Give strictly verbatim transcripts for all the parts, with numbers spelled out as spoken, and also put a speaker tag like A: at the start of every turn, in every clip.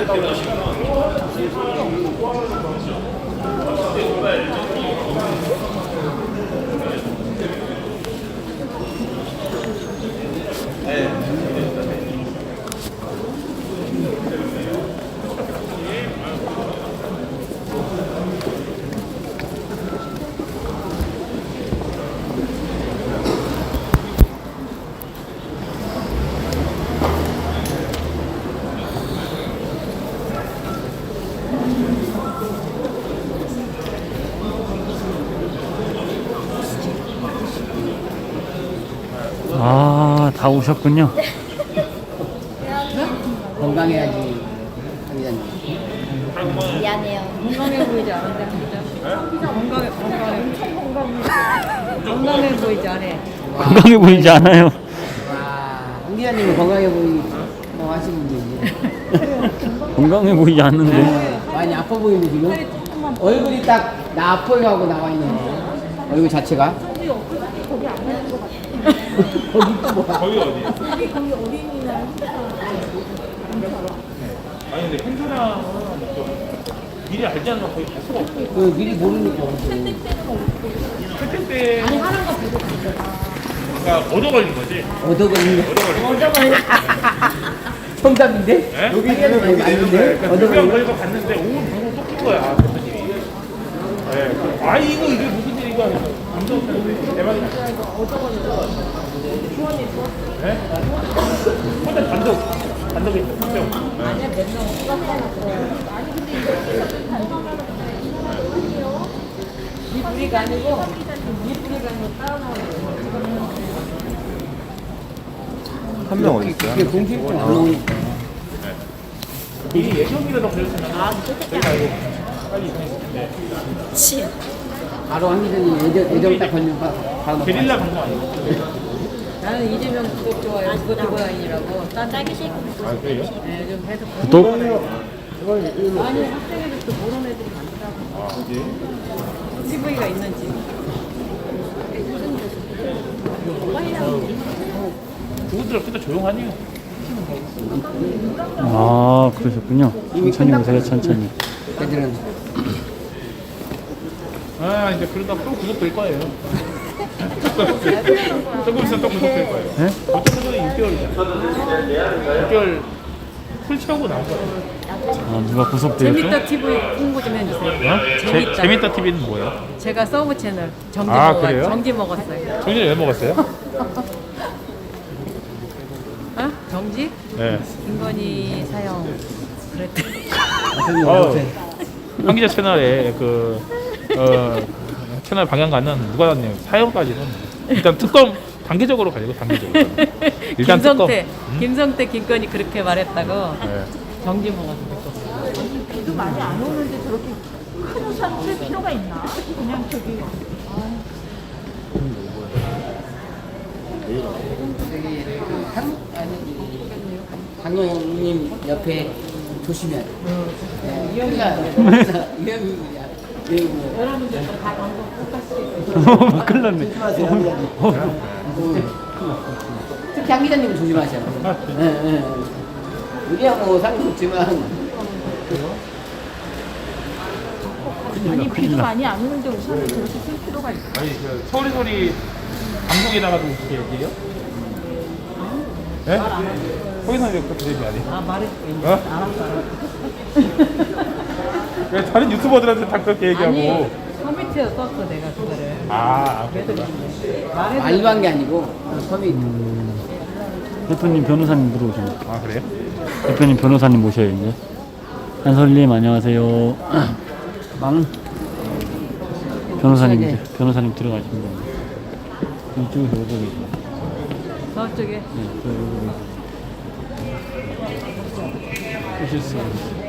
A: 아, 다 오셨군요.
B: 건강해야지. 강의자님.
C: 미안해요.
D: 건강해 보이지 않은데 건강해 건강해 건강해 보이지 않아.
A: 건강해 보이지 않아요.
B: 와, 강의자님은 건강해 보이, 뭐 하시는 분이지.
A: 건강해 보이지 않는데.
B: 많이 아파 보이는데 지금? 얼굴이 딱 나 아파요 하고 나와 있는 얼굴 자체가. 거기 또 뭐야?
E: 거기 어디? 거기 거기 어린이날 아니 근데 행사장은 좀 미리 알지 않으면 거의 갈 수가 없어.
B: 그 미리 모르니까.
E: 그때 때 아니 하는 거 보고 그러니까 얻어 걸린 거지.
B: 얻어 걸린 거.
E: 얻어 걸린 거.
B: 정답인데?
E: 네?
B: 여기 있는 거 맞는데?
E: 그러니까
B: 얻어
E: 두명
B: 걸린 거.
E: 걸려서 갔는데 오늘 방송 쫓긴 거야 대표님이. 네. 아 이거 이게 무슨 일이가 감동했는데 대박이다. 네? 혼자 단독 단독에 있어 한 명. 아니야 몇명 아니 근데
D: 이 뿌리가 아니고 이 뿌리가 아니고 따로
F: 한 명 어디 있어요?
B: 이게 공식분 안 나오니까.
E: 이 예정이라도 걸렸으면 아 저희가 이거 빨리 이동했을 텐데.
B: 바로 한 기자님 예정, 예정 딱 걸리면 바- 바로
E: 게릴라 방송 아니고.
D: 나는 이재명 구독 좋아요 구독 좋아요라고 딴
C: 딸기 쉐이크
E: 아 그래요?
D: 네, 요즘 계속
A: 구독?
D: 아니 학생애들도 모르는 애들이 많더라고.
E: 아 어디?
D: 티비가 있는지.
E: 그분들 그때 조용하네요.
A: 아, 그러셨군요. 천천히 오세요, 천천히.
B: 애들은
E: 아 이제 그러다 또 구속될 거예요. 조금 있으면 또 구속될 거예요.
A: 네?
E: 어쩌면 육 개월이잖아. 육 개월 풀 채우고 나온 거예요.
A: 아, 누가 구속되었죠?
D: 재밌다 티비 홍보 좀 해주세요.
E: 어?
D: 재밌다.
E: 재, 재밌다 티비는 뭐예요?
D: 제가 서브 채널 정지
E: 아,
D: 먹어
E: 그래요?
D: 정지 먹었어요.
E: 정진이 왜 먹었어요?
D: 어? 정지?
E: 네.
D: 김건희 사형 그랬대.
E: 어, 황기자 채널에 그 어, 채널 방향가는 누가 났네요. 사형까지는 일단 특검 단계적으로 가려고 단계적으로. 일단
D: 김성태,
E: 특검.
D: 김성태, 김건희 그렇게 말했다고
E: 네.
D: 정지 먹었어.
C: 비도 많이 안 오는데 저렇게 큰 우산 쓸 필요가 있나? 그냥 저기
B: 저기 한 아니 강용님 옆에 조심해야 돼. 네, 위험이야. 위험이야.
D: 여러분들 다 방송 똑같이.
A: 큰일 났네.
B: 조심하세요. 특히 한 기자님은 조심하셔야 돼. 네, 네. 우리야 뭐 상관 없지만
C: 아니 비도 많이 안 오는데 우산을 저렇게 쓸 필요가 있나?
E: 아니 그 서울의 소리 방송에다가도 어떻게 얘기해요? 네? 거기서 왜 그렇게 얘기 안 해요?
D: 아 말해줄게.
E: 어?
D: 알았어, 알았어.
E: 왜 다른 유튜버들한테 다 그렇게
D: 아니
E: 얘기하고?
D: 커뮤니티에 썼어 내가 그거를.
E: 아,
D: 그래서
E: 그랬구나.
D: 말해줘.
B: 말로 한 게 아니고 섬이
A: 대표님 변호사님 들어오셨네.
E: 아 그래요?
A: 대표님 변호사님 모셔요, 이제. 한솔님, 안녕하세요.
B: 망
A: 변호사님,
B: 네.
A: 이제 변호사님 들어가십니다. 이쪽에서 오고 계세요.
D: 저쪽에.
A: 네, 저 여기 오실 수 있어요.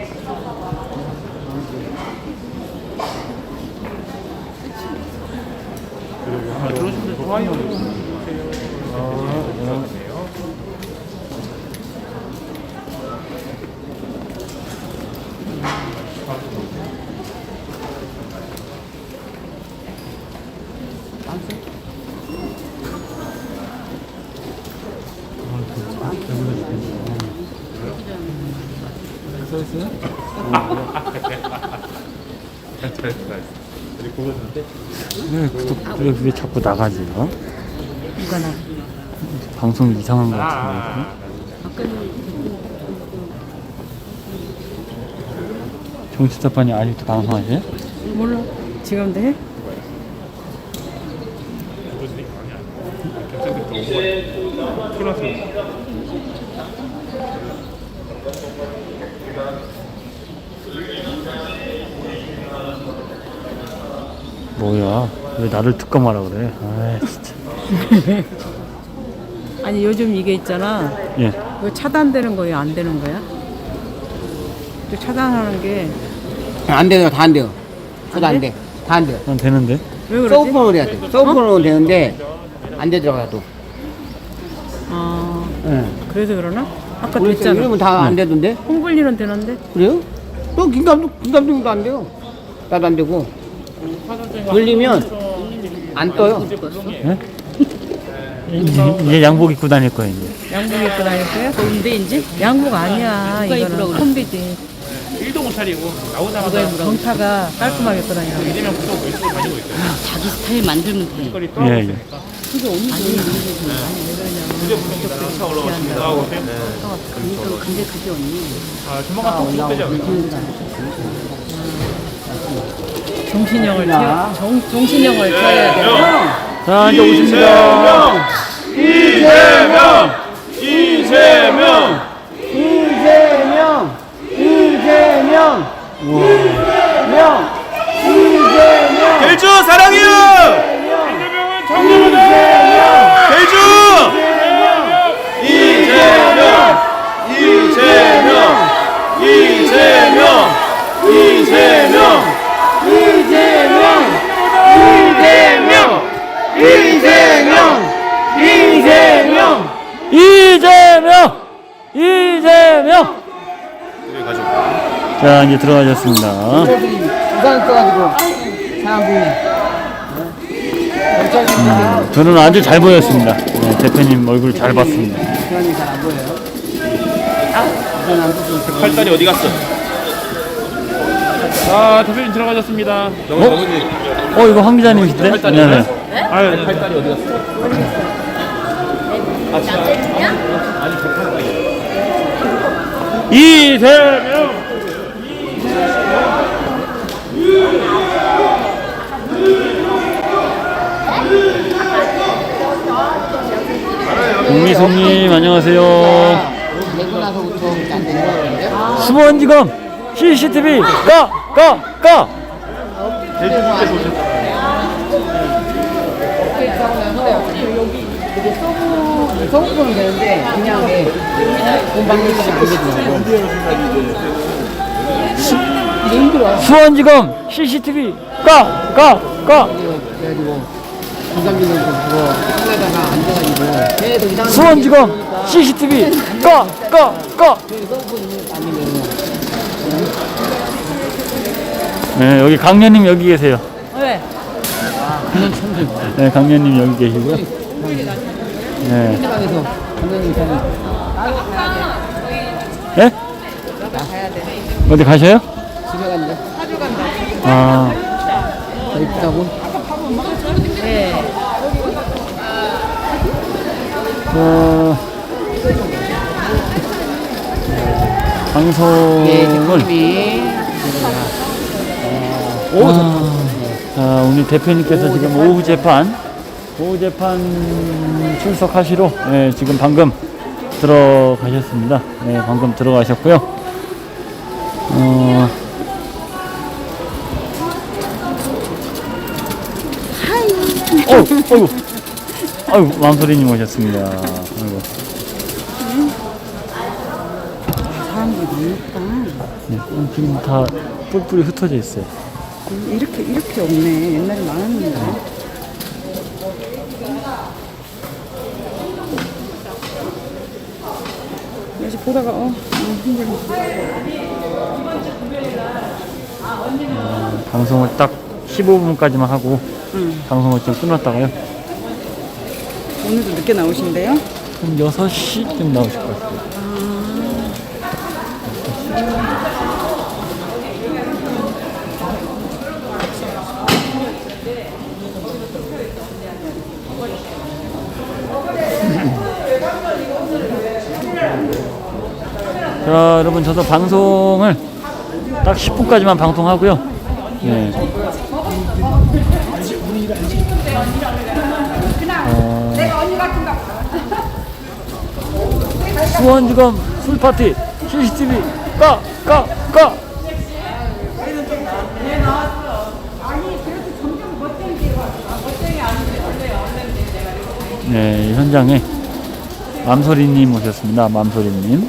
E: 아, 들어오시면 좋아요.
A: 써있어요? 왜 구독 왜, 왜 자꾸 나가지? 어?
D: 누가 나?
A: 방송 이상한 거 같은데. 정치사판이 아직도 방송하세요?
D: 몰라. 지금도 해?
A: 뭐야? 왜 나를 특검하라 그래? 아 진짜.
D: 아니 요즘 이게 있잖아.
A: 예.
D: 왜 차단되는 거예요? 안 되는 거야? 또 차단하는 게 왜
B: 안 돼요. 다 안 돼요. 저도
D: 안
B: 안
D: 돼?
B: 돼. 다 안 돼요.
A: 난 되는데.
D: 그러지?
B: 서브폰으로 해야 돼. 서브폰으로 되는데 안 되더라고요.
D: 아
B: 예.
D: 그래서 그러나? 아까
B: 우리
D: 됐잖아.
B: 이러면 다 안 되던데?
D: 홍블리는 되는데?
B: 그래요? 또 김감독, 김감독도 안 돼요. 나도 안 되고. 돌리면 안 떠요.
A: 예? 이제, 이제 양복 입고 다닐 거야 이제.
D: 양복 입고 다닐 거야? 더운데 이제? 양복 아니야. 이거는 콤비지.
E: 일도 못 차리고 나오자마자
D: 정타가 깔끔하게 입고 다니라고.
E: 이재명 구독 열심히 다니고 있어요.
C: 자기 스타일 만들면 돼.
E: 거리
A: 예
E: 떠.
A: 예.
E: 차 올라오시면 나오고 오세요.
C: 그러니까 근데 그게 언니.
E: 아 조만간 또 구독되지 않을까?
D: 정신형을 태워. 정, 정신형을 태워야 돼.
A: 자 이제 오십니다.
E: 이재명! 이재명!
B: 이재명! 이재명! 이재명! 이재명!
E: 대주 사랑해요! 이재명은 정리보다! 대주! 이재명! 이재명! 이재명! 이재명!
B: 이재명! 이재명! 이재명! 이재명!
A: 이재명! 이재명! 자 이제 들어가셨습니다.
B: 저들이 부산 써가지고 사람 보이네.
A: 음, 저는 아주 잘 보였습니다. 네, 대표님 얼굴 잘 봤습니다.
B: 그러니 잘 안 보여요. 부산 안 보고
E: 팔다리 어디 갔어? 아 대표님 들어가셨습니다.
A: 어 이거 황 기자님이신데? 네네.
E: 아유 팔다리 어디 갔어? 이재명!
A: 공미송님 안녕하세요.
B: 내고 나서부터 안 되는 거예요.
A: 수원지검 씨씨티비 까! 까! 까!
B: 이게 서브, 서브폰은 되는데 그냥 돈 받는 것이 안 되더라고. 이게 힘들어.
A: 수원지검 씨씨티비 까! 까! 까!
B: 그래가지고 김감독은 그거 하려다가 안 돼가지고 계속 이상한
A: 수원지검 씨씨티비 까! 까! 까!
B: 아니면
A: 네 여기 강연님 여기 계세요.
D: 왜?
A: 네 강연님 여기 계시고요. 네.
B: 현장에서 감독님 저는
A: 예? 어디 가셔요?
B: 집에 갔는데
A: 아
B: 더 이쁘다고.
D: 네.
A: 어,
B: 예,
A: 방송을
B: 대표님이
A: 아, 자, 우리 대표님께서 지금 오후 재판 오후 재판 출석하시러 예, 지금 방금 들어가셨습니다. 네, 방금 들어가셨고요. 어, 어, 어이구, 아이고, 왕소리님 오셨습니다. 아이고.
D: 사람들이 많으니까
A: 네, 지금 다 뿔뿔이 흩어져 있어요.
D: 이렇게 이렇게 없네. 옛날에 많았는데. 그래서 보다가 어, 어 힘들어.
A: 어, 방송을 딱 십오 분까지만 하고
D: 응.
A: 방송을 좀 끊었다가요.
D: 오늘도 늦게 나오신대요?
A: 한 여섯 시쯤 나오실 것 같아요.
D: 아.
A: 자, 여러분 저도 방송을 딱 십 분까지만 방송하고요. 네. 어, 수원지검 술파티 씨씨티비 까! 까! 까! 네, 현장에 맘소리님 오셨습니다. 맘소리님.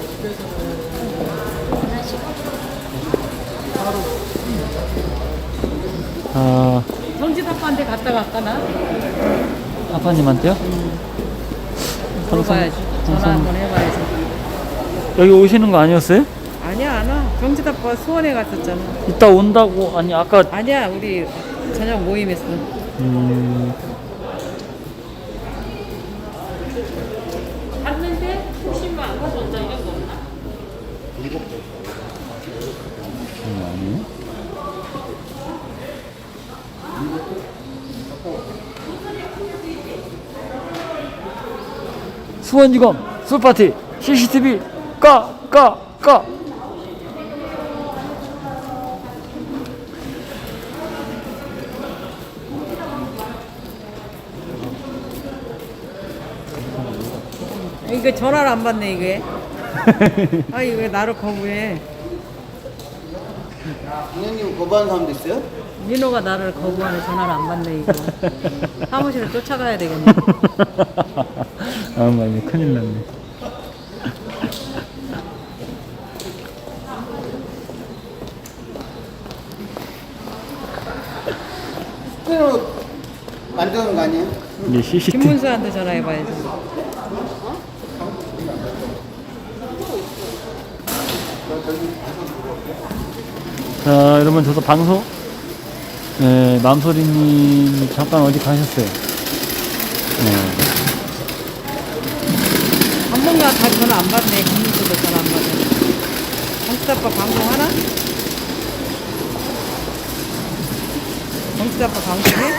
A: 아,
D: 정지 아빠한테 갔다 갈까나?
A: 아빠님한테요?
D: 물어봐야지. 전화 한번 해봐야지.
A: 여기 오시는 거 아니었어요?
D: 아니야, 안 와. 정지 아빠 수원에 갔었잖아.
A: 이따 온다고. 아니 아까
D: 아니야, 우리 저녁 모임했어.
A: 음,
D: 갔는데 혹시만 안 가져온다 이런 거 없나?
A: 아니에요? 수원지검 술파티 씨씨티비 까! 까! 까!
D: 이거 전화를 안 받네 이게. 아 이거 왜 나를 거부해?
B: 부모님 거부하는 사람도 있어요?
D: 민호가 나를 거부하네. 전화를 안 받네 이거. 사무실에 쫓아가야 되겠네.
A: 아, 많이 큰일 났네.
B: 스크린으로 만드는 거 아니에요?
A: 이게 씨씨티비.
D: 김문수한테 전화해봐야지.
A: 자, 여러분 저도 방송 네, 맘소리님 잠깐 어디 가셨어요? 네.
D: 전문가 다 전화 안 받네. 김문수도 전화 안 받네. 정치 아빠 방송하나? 정치 아빠 방송해?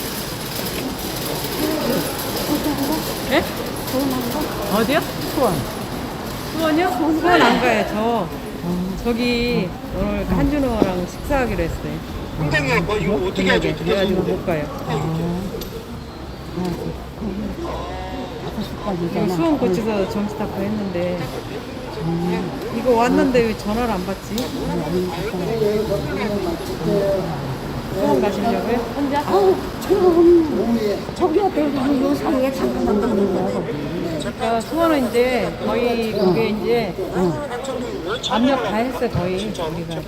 D: 네? 어디요? 수원. 수원이요? 수원 안 가요. 저 저기 오늘 한준호랑 식사하기로 했어요.
G: 선생님, 뭐 이거 어떻게 하죠? 어떻게
D: 그래가지고
G: 하죠?
D: 못 가요. 이거 수원 고치서 정치 닦고 했는데 이거 왔는데 왜 전화를 안 받지? 수원 가시려고요? 혼자? 그러니까 수원은 이제 거의 그게 이제 압력 다 했어 거의 우리가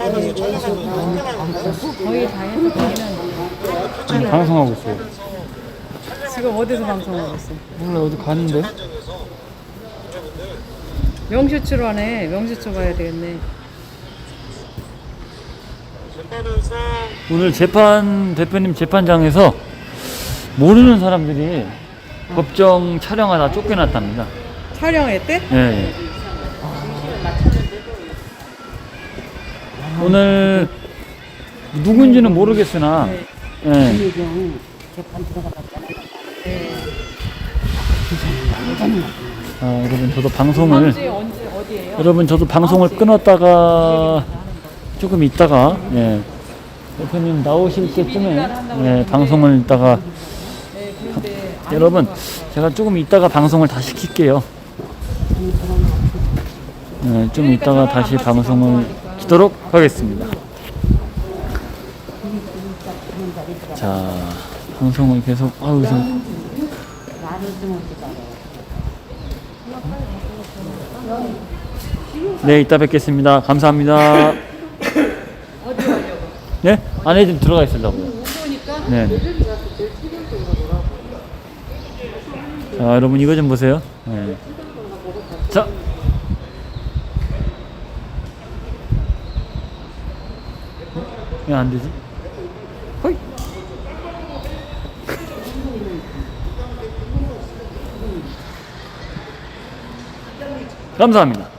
D: 거의 다 해서 거기는
A: 지금 방송하고 있어요.
D: 지금 어디서 방송하고 있어?
A: 몰라 어디 가는데?
D: 명수추로 하네. 명수추 가야 되겠네.
A: 오늘 재판 대표님 재판장에서 모르는 사람들이 법정 촬영하다 쫓겨났답니다.
D: 촬영했대?
A: 예. 예. 오늘 누군지는 모르겠으나 예. 아, 여러분 저도 방송을
D: 언제 언제 어디예요?
A: 여러분 저도 방송을 끊었다가 조금 있다가 예. 대표님 나오실 때쯤에 예, 방송을 있다가 여러분 제가 조금 있다가 방송을 다시 킬게요. 예, 좀 있다가 다시 방송을 키도록 하겠습니다. 자, 방송을 계속 아우 저 네, 이따 뵙겠습니다. 감사합니다. 네? 안에 좀 들어가 있으려고요. 네. 자, 여러분 이거 좀 보세요. 네. 자. 왜 안 되지? 허이. 감사합니다.